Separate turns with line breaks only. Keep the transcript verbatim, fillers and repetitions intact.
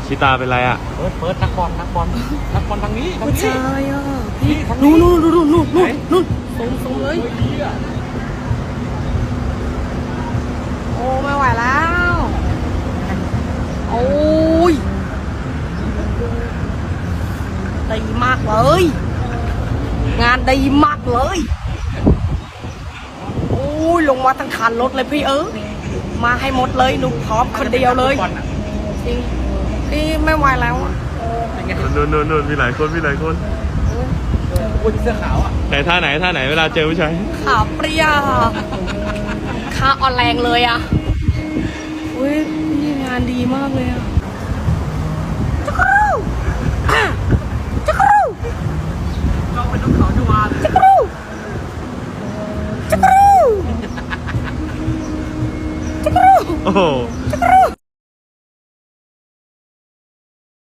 ชิตาเป็นไรอ่ะ
เปิดเปิดนักบอลนักบอลนักบอลทางนี้ทาง
ผู้
นี้
ชายอ่ะพี่
ทางนี้
นู่นนู่นนู่นนู่นนู่นนู่นส่งส่งเลยโอ้ไม่ไหวแล้วโอ้ยดีมากเลยงานดีมากเลยโอ้ยลงมาทั้งคันรถเลยพี่เออมาให้หมดเลยหนูพร้อมคนเดียวเลยจริงพี่ไม่ไหวแล้วอ่ะ
นู่นนู่นนู่นมีหลายคนมีหลายคน
อุ้ยเสื้อขาวอ่ะ
ไหนท่าไหนท่าไหนเวลาเจอผู้ชาย
ขาเปรี้ยขาอ่อนแรงเลยอ่ะอุ้ยพี่งานดีมากเลยอ่ะ